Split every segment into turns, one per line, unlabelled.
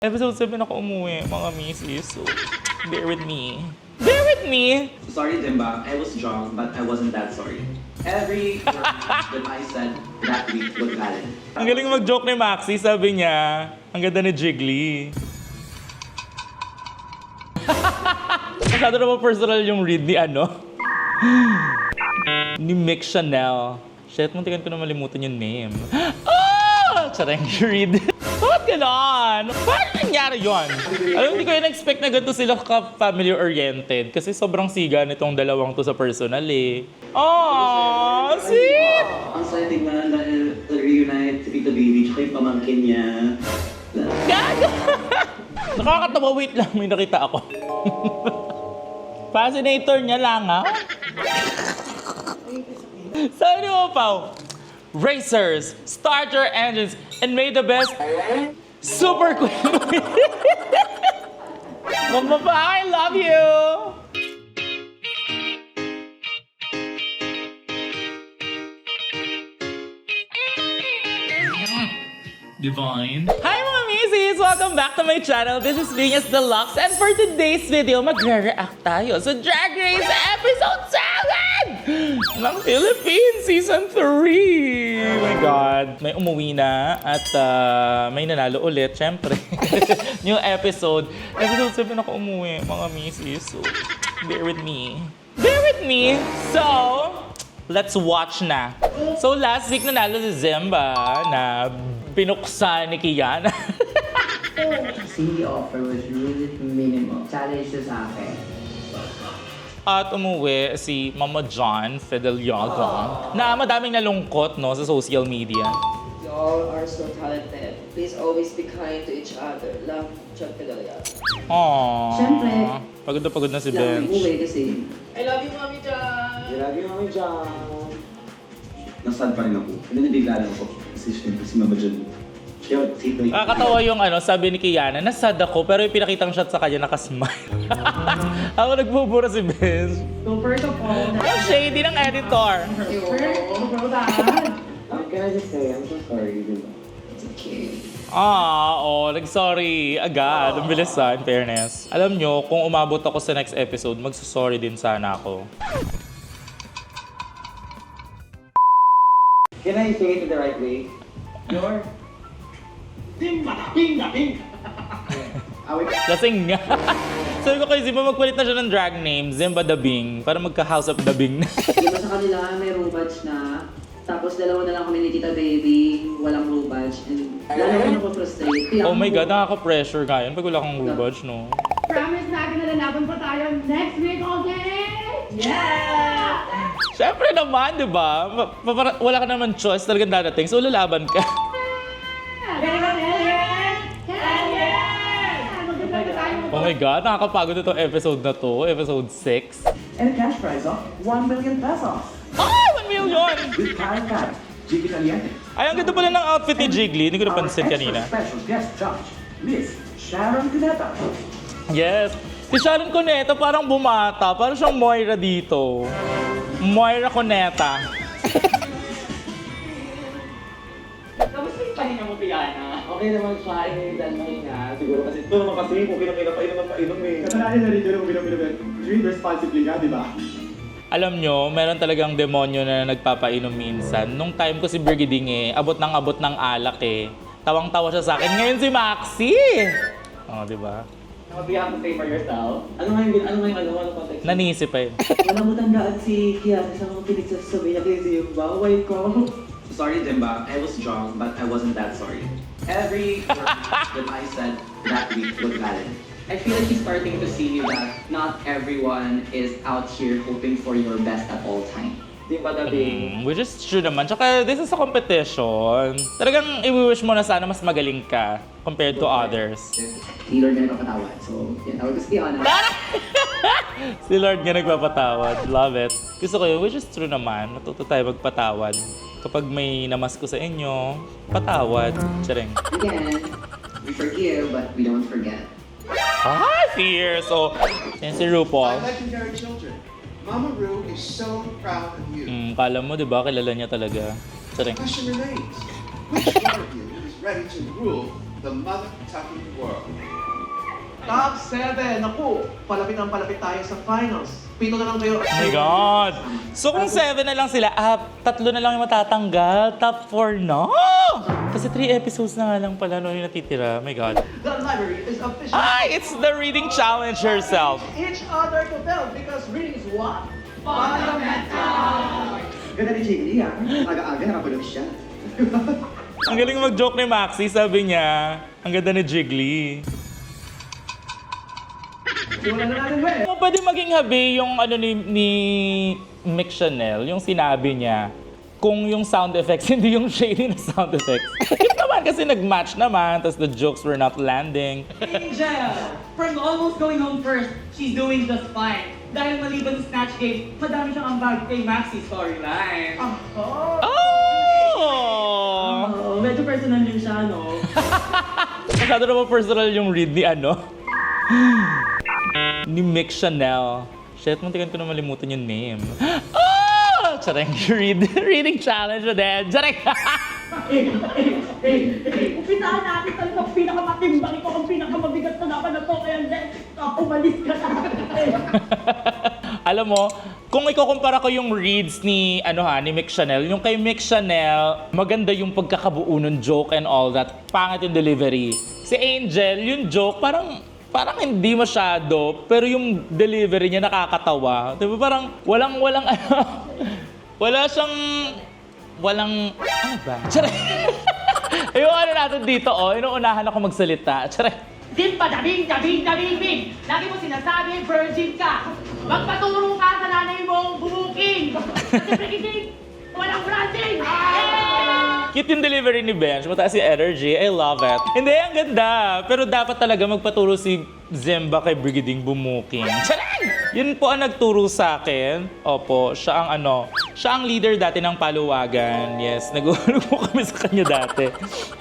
Episode 7 ako umuwi, mga misis. So, bear with me. Bear with me!
Sorry, Dimba. I was drunk, but I wasn't that sorry. Every word that I said that week was valid.
Ang galing mag-joke ni Maxi, sabi niya. Ang ganda ni Jiggly. Masyado naman personal yung read ni ni Mick Chanel. Shit, muntikan ko na malimutan yung name. Charang read. Bakit ganon? Bakit nangyari yun? Alam, hindi ko yun expect na ganito sila ka-family-oriented. Kasi sobrang siga nitong dalawang to sa personal eh. Aww, sweet!
Ang saya tingnan dahil reunite si Tito Baby tsaka yung pamangkin niya.
Gago! Nakakatawa, wait lang, may nakita ako. Fascinator niya lang, ha? Sabi mo, Pao, racers, start your engines, and may the best super queen. Mama, I love you! Divine. Hi mga misis! Welcome back to my channel. This is Venus Deluxe and for today's video, magre-react tayo sa Drag Race Episode 7 ng Philippines Season 3! Oh my God! May umuwi na at may nanalo ulit, syempre. New episode. Episode 7 ako umuwi, mga misis. So, bear with me. Bear with me! So, let's watch na. So, last week nanalo si Zemba na pinuksa ni Kiana.
The offer was really minimal. Challenge siya sa akin.
At umuwi si Mama John Fideliaga na madaming nalungkot no, sa social media.
You all are so talented. Please always be kind to each other. Love, John Fideliaga.
Aww.
Siyempre.
Pagod na si
Lang
Bench.
umuwi kasi.
I love you, Mami John!
Lagi Mami John. Nasad pa rin ako. Hindi nabigla lang ako. Kasi syempre si Mama John. Kaya Tito.
Nakakatawa yung sabi ni Kiana, nasad ako pero yung pinakitang shot sa kanya nakasmile. Ako nagbubura si Bench.
So first of all,
Ang shady ng editor.
Can I just say, I'm so sorry, Dimba.
It's okay.
Nag-sorry agad. Ang bilis in fairness. Alam nyo, kung umabot ako sa next episode, magsusorry din sana ako.
Can I say it the right way? Your...
Lasing nga. Sabi ko kay Zimba, magpalit na siya ng drag name, Zimba Dabing, para magka-house of Dabing na.
iba sa kanila may room badge na. Tapos dalawa na lang kami ni Tita Baby, walang room badge. And lalo ko na-frustrate.
Oh my God, nakaka-pressure nga yun pag wala kang rubage, no?
Promise natin na lalaban pa tayo next week, okay? Yeah!
Siyempre naman, di ba? Wala ka naman choice, talagang dadating, so lalaban ka.
Hell yeah! Maganda na tayo.
Oh my God, nakakapagod itong episode na to, episode 6.
And a cash prize of 1 million pesos.
Ay, 1 million!
With Karen Kat, Jiggy Caliente.
Ay, ang ganda pala ng outfit ni Jiggly, hindi ko napansin
Our
kanina.
extra special guest judge, Miss Sharon Cuneta.
Yes. Si Sharon Cuneta parang bumata. Parang siyang Moira dito. Moira Cuneta.
Kamusta yung pahinga mo, Piana?
Okay naman siya, initan mahinga. Siguro kasi ito naman kasi kung pinapainom eh.
Kasalanan na rin yun kung drink responsibly ka, di ba?
Alam nyo, meron talagang demonyo na nagpapainom minsan. Nung time ko si Birgiding abot ng alak eh. Tawang-tawa siya sa akin. Ngayon si Maxi! Oh, di ba?
Nakabiyak mo pay for yourself.
Ano context?
Nanisip pa yun.
Wala mo tandaan si Kiana sa mga pinagsasabi niya kay Zimba. Why ko?
Sorry, Dimba. I was drunk, but I wasn't that sorry. Every word that I said that week was valid. I feel like he's starting to see that not everyone is out here hoping for your best at all time. Dimba Dabing.
Which is true naman. Tsaka this is a competition. Talagang i-wish mo na sana mas magaling ka compared to others.
Si Lord na nagpapatawad. So, yan. Tawag ko si Kiana.
Si Lord nga nagpapatawad. Love it. Gusto ko yun, which is true naman. Matuto tayo magpatawad. Kapag may namas ko sa inyo, patawad. Tsareng.
Again, we forgive but we don't forget.
Fierce! So, yan si RuPaul.
My legendary children, Mama Ru is so proud of you.
Kala mo, di ba? Kilala niya talaga. Tsareng.
The question remains, which one of you is ready to rule the mother tucking world.
Top 7. Naku, palapit tayo sa finals. 7 na lang kayo.
Oh my God! So kung 7 na lang sila, 3 na lang yung matatanggal. Top 4 na! Kasi 3 episodes na nga lang pala yung natitira. Oh my God.
The library is official.
Ay, it's the reading challenge herself.
Each other to tell because reading is what? Fundamental! Ganda ni Jiggly, aga-aga nakapulog siya.
Ang galing mag-joke ni Maxi, sabi niya. Ang ganda ni Jiggly.
Simulan na natin, we.
Pwede maging habi yung ano ni Mick Chanel, yung sinabi niya. Kung yung sound effects, hindi yung shady na sound effects. Cute naman kasi nag-match naman, tapos the jokes were not landing.
Angel, from almost going home first, she's doing just fine. Dahil maliban sa Snatch Game, madami siyang ambag kay Maxi storyline.
Oh!
Medyo personal din siya, no?
Masyado naman personal yung read ni ano? Ni Mick Chanel. Shit, muntikan ko na malimutan yung name. Oh! Tsareng reading challenge na din. Tsareng!
Umpisahan natin talaga pinakamatimbang ito ang pinakamabigat na laban na to. Kaya umalis ka na.
Alam mo, kung ikukumpara ko yung reads ni ni Mick Chanel, yung kay Mick Chanel, maganda yung pagkakabuo ng joke and all that. Pangit yung delivery. Si Angel, yung joke, parang hindi masyado, pero yung delivery niya nakakatawa. Diba parang walang ano ba? Tsare! Yung ano natin dito, inuunahan ako magsalita. Tsare!
Simpa, dabing! Lagi mo sinasabi, virgin ka. Magpaturo ka sa nanay mong bumuking. Kasi prekiting, walang branching.
Cute yung delivery ni Bench, mataas yung energy. I love it. Hindi, ang ganda. Pero dapat talaga magpaturo si Zimba kay Brigading Bumuking. Charang! Yun po ang nagturo sa akin. Opo, siya ang leader dati ng Paluwagan. Yes, nag-uulog po kami sa kanya dati.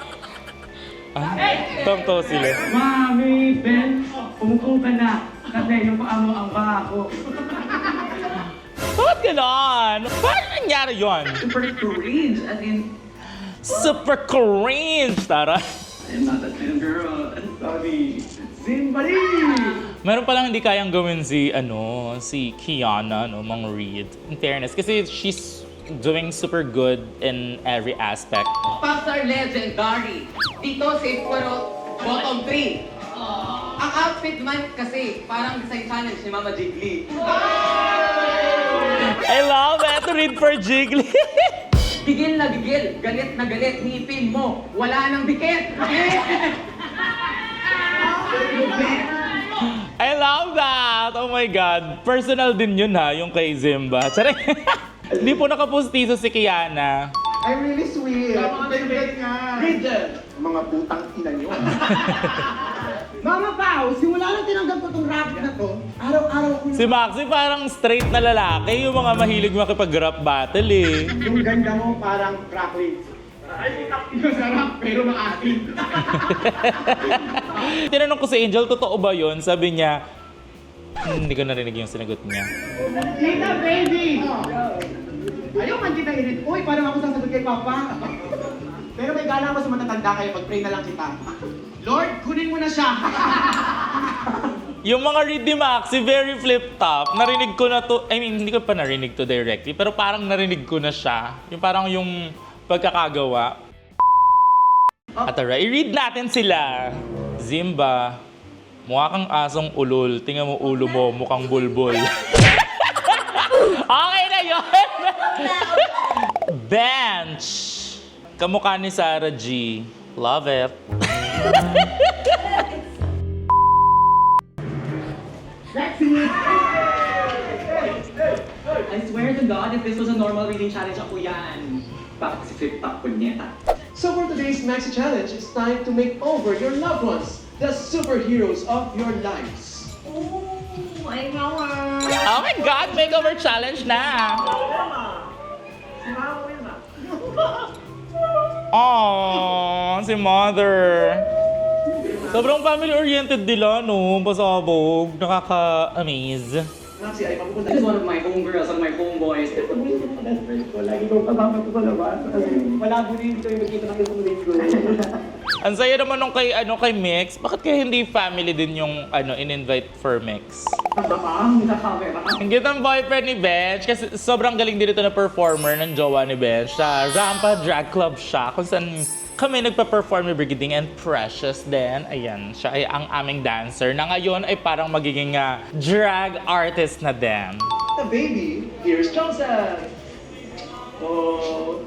Tong-to sila.
Mami, Ben, umupo ka na. Kasi yung paa mo ang bako.
Bakit ganon? Paano nangyari yun?
Super cringe, as in,
Super cringe, Tara.
I'm not that kind of girl. I'm sorry. Zimbali!
Meron palang hindi kayang gawin si Kiana, Mang Reed. In fairness, kasi she's doing super good in every aspect.
Popstar legendary. Dito safe pero bottom 3. Ang outfit man kasi parang design challenge ni Mama Jiggly.
I love it! Read for Jiggly!
Gigil na gigil, galit na galit, ngipin mo, wala nang dikit.
I love that! Oh my God. Personal din yun yung kay Zimba. Tsare. Hindi po nakapustiso si Kiana.
I'm really sweet. Favorite nga. Read them. Mga putang ina nyo.
Mama Pao, simula nang tinanggap ko tong rap na to, araw-araw ko
Si Maxi parang straight na lalaki. Yung mga mahilig makipag-rap battle eh.
Yung ganda mo parang crackling. Ay, masarap pero maasim.
Tinanong ko si Angel, totoo ba yun? Sabi niya, hindi ko narinig yung sinagot niya.
Tita baby! Ayaw man kita irit. Uy, parang ako sasagot kay Papa. Pero may gala ako sa matatanda kaya pag-pray na lang kita. Lord, kunin mo na siya.
Yung mga read ni Maxi, very flip-top. Narinig ko na to, I mean, hindi ko pa narinig to directly, pero parang narinig ko na siya. Yung parang yung pagkakagawa. At tara, i-read natin sila. Zimba, mukha kang asong ulol. Tingnan mo ulo mo, mukhang bulbul. Okay na yun! Bench! Kamukha ni Sarah G. Love it.
I swear to God, if this was a normal reading challenge, ako yan. Bakit si flip-top kunyeta?
So for today's Maxi Challenge, it's time to make over your loved ones, the superheroes of your lives.
Oh my God, makeover challenge na! Aww, si Mother. Sobrang family-oriented nila, no? Pasabog. Nakaka-amaze.
Maxi, ay mapupunta.
This is one of my homegirls and my homeboys.
Lagi kong kasama ko sa labas. Kasi wala po dito yung magkita ng isang linggo.
Ang saya naman nung kay Mix. Bakit kaya hindi family din yung in-invite for Mix? Ang cute ng boyfriend ni Bench kasi sobrang galing din ito na performer ng jowa ni Bench. Sa Rampa Drag Club siya kung saan kami nagpa-perform ni Brigading and Precious din. Ayan, siya ay ang aming dancer na ngayon ay parang magiging drag artist na din.
The baby, here's Johnson. Oh.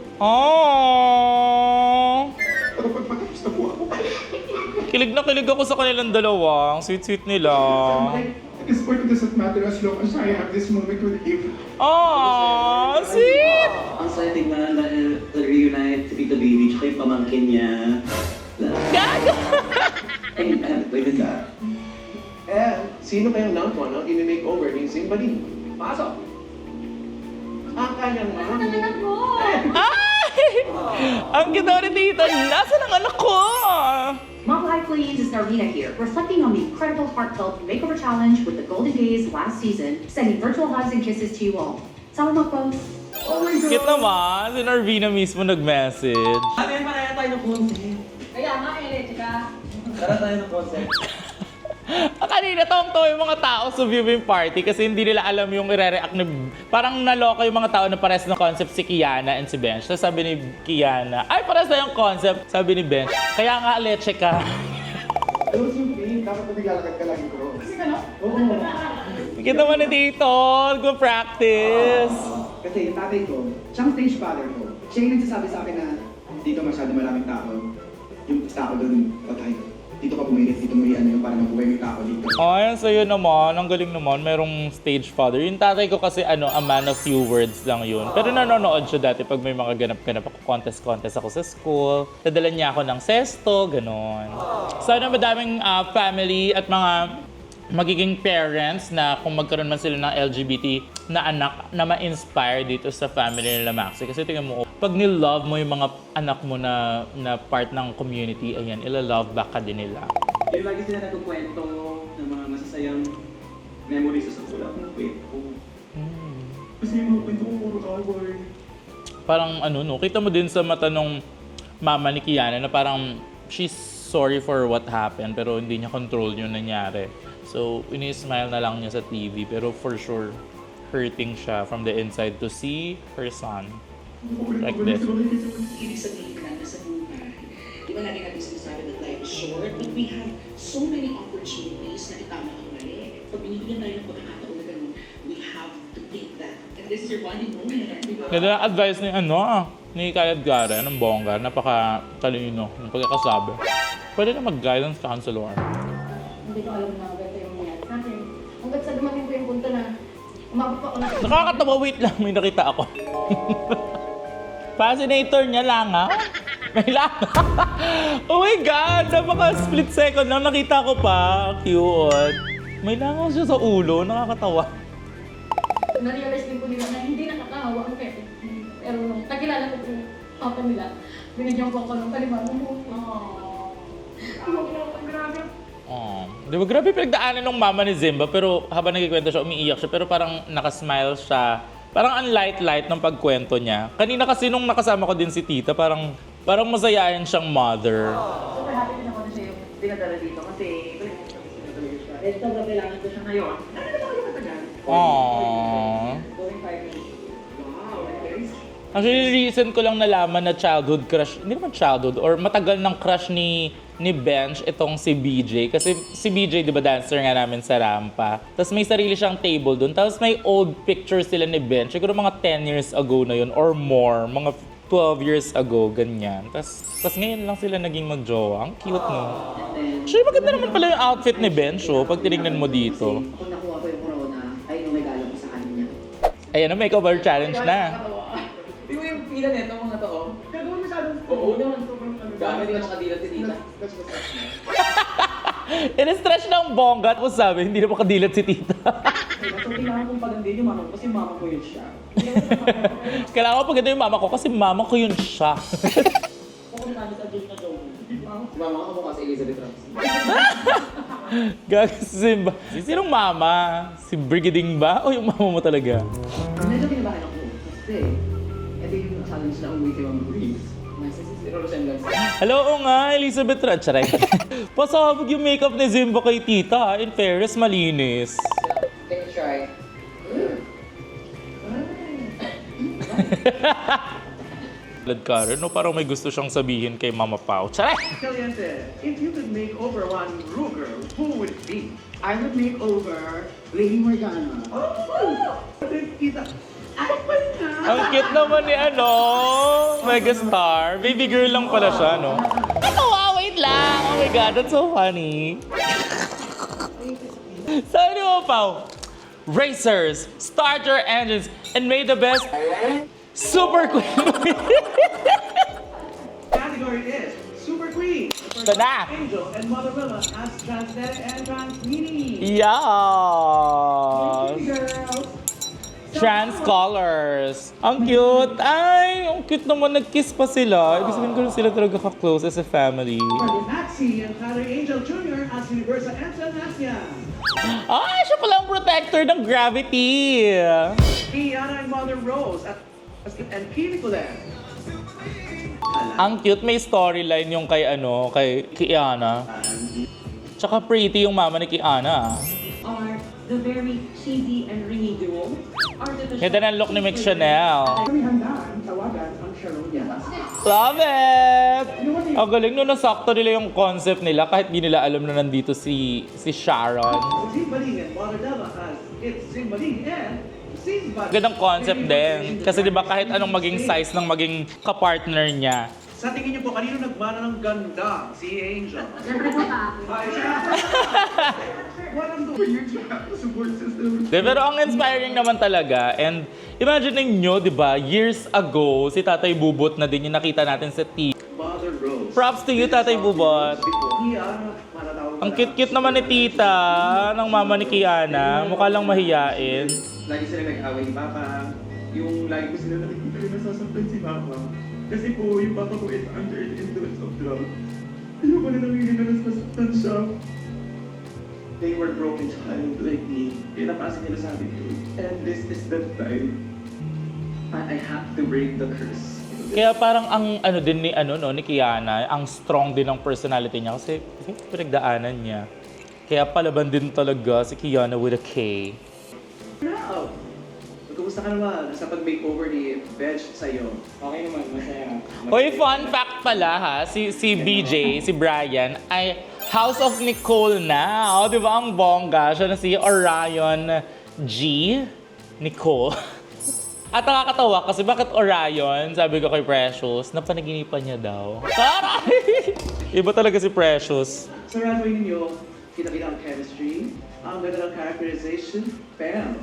Oh!
Ano pagpagkapos na po ako?
Kilig na kilig ako sa kanilang dalawa. Ang sweet-sweet nila.
At this point, it doesn't matter as long as I have this moment with him.
Oh, sweet!
Ang saya tingnan dahil reunite si Tito Baby tsaka yung pamangkin niya.
Gago!
And I haven't played with that.
And sino kayang number one ang ini-makeover ni Zimbali? Pasok! Ang kanyang mami.
Ay! Ang ganda ni Tito. Nasaan ang anak ko?
Model High Queens is Narvina here, reflecting on the incredible heartfelt makeover challenge with the Golden Gaze last season, sending virtual hugs and kisses to you all. Sama mo po.
Oh my God!
Cute naman. Si Narvina mismo nag-message.
Sabi, maraya tayo ng concept.
Kaya nga, chika.
Tara tayo ng concept.
Kanina tawang-tawa yung mga tao sa viewing party kasi hindi nila alam yung i-react ni... Parang naloka yung mga tao na pares na concept si Kiana and si Bench. So sabi ni Kiana, ay pares na yung concept. Sabi ni Bench, kaya nga leche ka.
Ano yung feeling? Dapat na naglalakad ka lagi ko.
Kasi ka, no?
Oo.
Kita mo ni Tito, go-practice.
Kasi yung tatay ko, siyang stage father ko. Siya yung nagsasabi sa akin na dito masyado maraming tao. Yung tao doon, patay. Dito ka pumilit, dito mo yung para mabuhay yung tao dito.
Ay, sa'yo naman. Ang galing naman. Merong stage father. Yung tatay ko kasi a man of few words lang yun. Pero nanonood siya dati pag may mga ganap-ganap ako. Contest ako sa school. Dadala niya ako ng sesto, ganon. Sana madaming family at mga magiging parents na kung magkaroon man sila ng LGBT na anak na ma-inspire dito sa family nila Maxi. Kasi tingnan mo, pag nilove mo yung mga anak mo na part ng community, ayan, ila-love back ka din nila.
Yung lagi sila nagkukwento ng mga masasayang memories sa wala akong kwento. Kasi yung mga kwento ko puro award.
Parang kita mo din sa mata nung mama ni Kiana na parang she's sorry for what happened pero hindi niya control yung nangyari. So, ini-smile na lang niya sa TV pero for sure, hurting siya from the inside to see her son like this.
Ibig sabihin na nasa buhay. Di ba lagi natin sinasabi that life is short, but we have so many opportunities na itama ang mali. Pag binibigyan tayo ng pagkakataon na ganun, we have to take that. And this is your bonding moment. Di ba?
Ganda ng advice ni Kayad Gara, ng bongga, napaka-talino ng pagkakasabi. Pwede na mag-guidance counselor.
Hindi ko alam na ganito yung nangyari sa akin. Hanggat sa dumating ko yung punto na umabot pa ako na...
Nakakatawa, wait lang, may nakita ako. Fascinator niya lang, ha? May lang. Oh my God! Napaka-split second lang nakita ko pa. Cute. May langaw siya sa ulo. Nakakatawa.
Na-realize din ko nila na hindi nakakahawa ang pwede. Pero nung nakilala ko yung papa nila, binigyan ko ako ng kalimang mo. Grabe.
Oh. Di ba, grabe pinagdaanan ng mama ni Zimba, pero habang nagkikwento siya, umiiyak siya, pero parang nakasmile siya. Parang ang light-light ng pagkwento niya. Kanina kasi nung nakasama ko din si Tita, parang masayain siyang mother.
Super happy din ako na siya yung dinadala dito kasi eh, sobrang kailangan ko siya ngayon. Ano na ako yung matagal?
Aww.
Going 5 minutes.
Wow, very
Actually, recent ko lang nalaman na childhood crush, hindi naman childhood, or matagal ng crush ni Bench itong si BJ. Kasi si BJ, di ba, dancer nga namin sa Rampa. Tapos may sarili siyang table doon. Tapos may old pictures sila ni Bench. Siguro mga 10 years ago na yun, or more. Mga 12 years ago, ganyan. Tapos ngayon lang sila naging mag-jowa. Ang cute, no? Actually, maganda naman pala yung outfit ni Bench, oh, pag tinignan mo dito.
Kung nakuha ko yung corona, ay yung regalo ko sa kanya.
Ayan, ang makeover challenge na.
Di mo yung pila neto mga to, oh?
Gagawin masyadong...
Oo naman, sobrang gamit yung makadilat si Tita.
That's what's up.
In-stretch ng bongga. Tapos sabi, hindi na makadilat si Tita.
So, kailangan kong pagandin yung mama ko kasi mama ko yun siya.
Kailangan ko paganda yung mama ko kasi mama ko yun siya.
Si mama ka mukha si Elizabeth Ramsey.
Gago si Simba. Sinong mama? Si Brigading ba? O yung mama mo talaga?
Medyo kinabahan ako kasi ito yung challenge na umuwi kay Mama Grace. Nasa zero resemblance.
Hello, oo nga, Elizabeth Ratcharay. Pasabog yung makeup ni Simba kay tita. In fairness, malinis.
Can you try?
Lad Karen, no? Parang may gusto siyang sabihin kay Mama Pao. Charay!
Caliente, if you could make over one Rue girl, who would it be?
I would make over Lady Morgana.
Oh! Kita.
Ang cute naman ni Megastar. Baby girl lang pala siya, no? Ano, wait lang. Oh my God, that's so funny. Sabi mo, Pao, racers, start your engines, and may the best Super Queen.
Category is Super Queen.
Ito na.
Angel and Mother Willa as Transnet and Transmini.
Yes! Trans colors. Ang cute. Ay, ang cute naman. Nag-kiss pa sila. Ibig sabihin ko rin sila talaga ka-close as a family.
Maxi and Tyler Angel Jr. as Universa and Sanasya.
Ay, siya pala ang protector ng gravity.
Kiana and Mother Rose and Pinicolan.
Ang cute. May storyline yung kay Kiana. Tsaka pretty yung mama ni Kiana.
Are the very cheesy and ringy duo.
Ganda ng look ni Mick Chanel.
Kami handaan, tawagan ang Sharon Yabas.
Love it! Ang galing no, nasakto nila yung concept nila kahit di nila alam na nandito si Sharon.
Zimbaling and Mother Della as It's Zimbaling and Zimbaling.
Gandang concept din. Kasi di ba kahit anong maging size ng maging kapartner niya.
Sa tingin niyo po, kanino nagmana ng ganda? Si Angel.
Siyempre po ka.
Ay, siya. Walang doon.
Support system.
Pero ang inspiring naman talaga. And imagine ninyo, di ba, years ago, si Tatay Bubot na din yung nakita natin sa TV.
Mother Rose.
Props to you, Tatay Bubot.
Kiana, matatawag
Ang cute-cute naman ni Tita, ng mama ni Kiana. Mukha lang mahiyain.
Lagi sila nag-away ni Papa. Yung lagi ko sila nakikita rin nasasaktan si Papa. Kasi po, yung Papa ko is under the influence of drugs. Ayoko na nangyayari na nasasaktan siya. They were broken child like me. Pinapasa nila sa akin yun. And this is the time. I have to break the curse.
Kaya parang ang din ni ni Kiana, ang strong din ng personality niya kasi pinagdaanan niya. Kaya palaban din talaga si Kiana with a K.
Now, kumusta ka naman sa pag-makeover ni Bench sa'yo?
Okay naman, masaya.
Hoy, fun fact pala ha, si BJ, si Brian, ay House of Nicole na. O, di ba ang bongga? Siya na si Orion G. Nicole. At nakakatawa kasi bakit Orion, sabi ko kay Precious, napanaginipan niya daw. Taray! Iba talaga si Precious.
Sa runway ninyo, kita-kita ang chemistry, ang ganda ng characterization, pero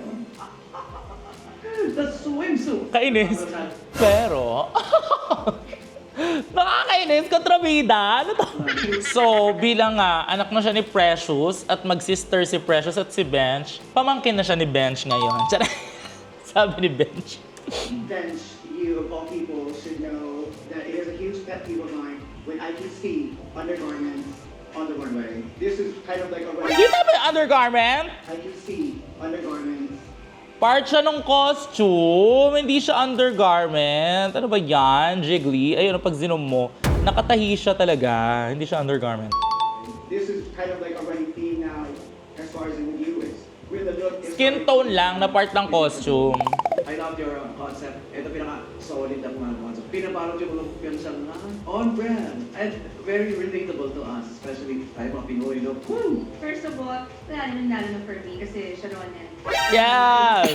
the swimsuit.
Kainis. Pero, nakakainis, kontrabida. Ano to? So, bilang anak na siya ni Precious at mag-sister si Precious at si Bench, pamangkin na siya ni Bench ngayon. Sabi ni Bench.
Bench, you of all people should know that it is a huge pet peeve of mine when I can see undergarments on the runway. This is kind of like a runway.
Kita ba yung undergarment?
I can see undergarments.
Part siya ng costume, hindi siya undergarment. Ano ba yan? Jiggly. Ayun, pag zinom mo, nakatahi siya talaga. Hindi siya undergarment.
This is kind of like a running theme now as far as in you is with the look.
Skin tone lang na part ng costume.
I love your concept. Ito pinaka-solid na mga concept. Pinabalot yung look yun sa on brand and very relatable to us, especially tayo mga Pinoy, no? Woo!
First of all, wala naman lalo na for me kasi Sharon yan.
Yes!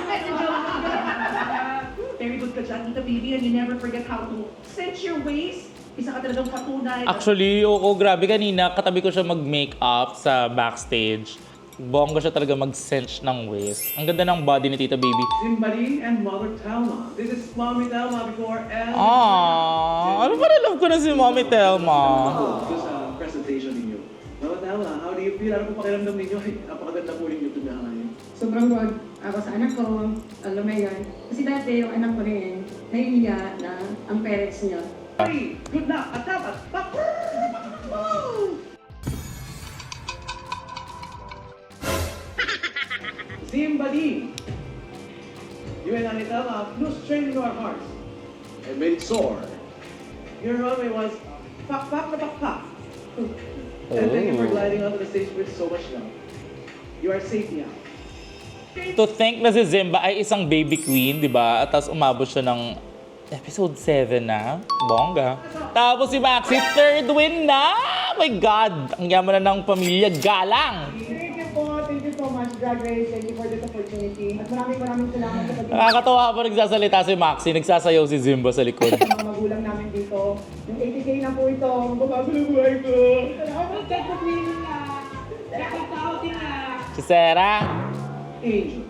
Very good ka dyan, Tita Baby, and you never forget how to cinch your waist. Isa ka talagang patunay.
Actually, oo, grabe kanina, katabi ko siya mag-makeup sa backstage. Bongga siya talaga mag-cinch ng waist. Ang ganda ng body ni Tita Baby.
Zimbaling and Mother Telma. This is Mommy Telma before and...
Ano ba na love ko na si Mommy Telma?
Ito sa presentation ninyo. Mama Telma, how do you feel? Ano po pakiramdam ninyo? Ay, napakaganda po ninyo tindahan.
Sobrang wag ako sa anak ko, alam mo yun. Kasi dati yung anak ko rin, nahihiya na ang parents niya.
Good luck! At dapat, Zimbadi. You and Anita have no strain in our hearts and made it sore. Your runway was pak pak na pak pak. And thank you for gliding onto the stage with so much love. You are safe now.
To think na si Zimba ay isang baby queen, di ba? At tapos umabot siya ng episode 7 na. Bongga. Tapos si Maxi, third win na! Oh my God! Ang yaman na ng pamilya. Galang!
Thank you so much, Drag Race. Thank you for this opportunity. At maraming salamat sa pag-ibig
Nakakatawa pa nagsasalita si Maxi. Nagsasayaw si Zimba sa likod.
ng mga magulang namin dito. Yung 80K na po ito, magbabago ng buhay ko. Salamat sa pag-ibig na.
Si Sarah.
Angel.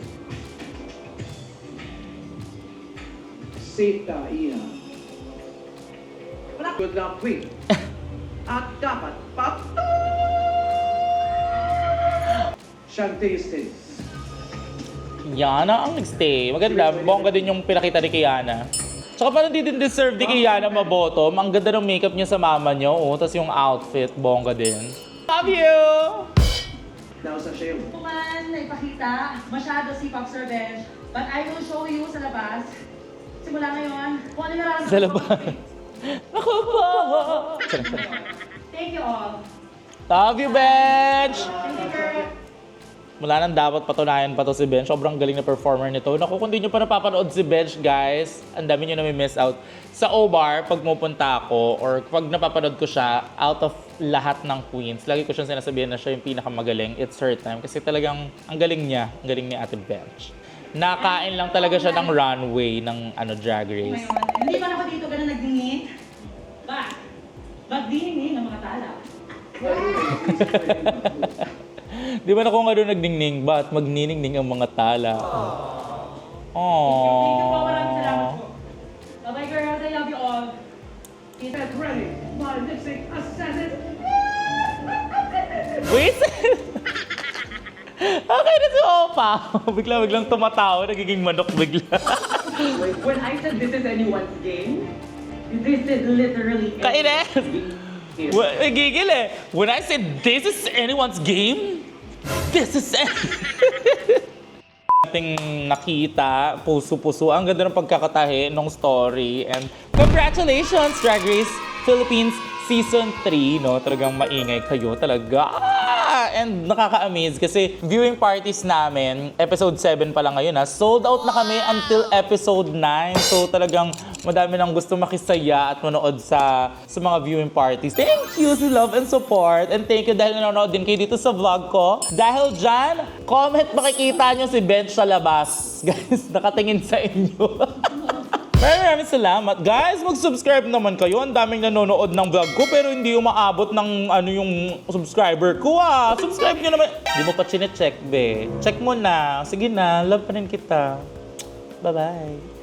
Safe ka, Iha. Good luck, Queen. At dapat Shantae stays.
Kiana ang nagstay. Maganda. Bongga din yung pinakita ni Kiana. Tsaka parang di din deserve ni Kiana mabotom. Ang ganda ng makeup niya sa mama niya. Oh, tapos yung outfit, bongga din. Love you!
Now sa Sheo.
Man, naipakita, masyado si Popstar Bench. But I will show you sa labas. Simula ngayon, kung ano nararamdaman
Sa
ko.
labas. Ako po!
Thank you all.
Love you, Bench!
Thank you, girl.
Mula nang dapat patunayan pa to si Bench. Sobrang galing na performer nito. Naku, kung di nyo pa napapanood si Bench, guys, ang dami nyo na may miss out. Sa O-Bar, pag pupunta ako, or pag napapanood ko siya, out of lahat ng queens, lagi ko siyang sinasabihan na siya yung pinakamagaling. It's her time. Kasi talagang, ang galing niya. Ang galing ni Ate Bench. Nakain lang talaga siya ng runway ng Drag Race.
Hindi man ako dito ganun nagdingin. Magdingin ng mga tala.
Di ba na kung ano nagdingning, ba't magniningning ang mga tala?
Thank you po, maraming salamat
Aww.
po. Bye-bye girls, I love you all.
Get ready, my lipstick assassin.
Wait! Okay na si Opa. Biglang tumatawa, nagiging manok bigla.
When I said this is anyone's game, this is literally
Kainis! Nagigil eh. When I said this is anyone's game, this is ating nakita, puso-puso. Ang ganda ng pagkakatahe ng story. And congratulations, Drag Race Philippines Season 3, no? Talagang maingay kayo talaga. And nakaka-amaze kasi viewing parties namin, episode 7 pa lang ngayon ha, sold out na kami until episode 9. So talagang madami nang gusto makisaya at manood sa mga viewing parties. Thank you sa love and support. And thank you dahil nanonood din kayo dito sa vlog ko. Dahil dyan, comment makikita nyo si Bench sa labas. Guys, nakatingin sa inyo. Maraming salamat. Guys, mag-subscribe naman kayo. Ang daming nanonood ng vlog ko pero hindi umaabot ng yung subscriber ko Subscribe nyo naman. Hindi mo pa chinecheck, be. Check mo na. Sige na, love pa rin kita. Bye-bye.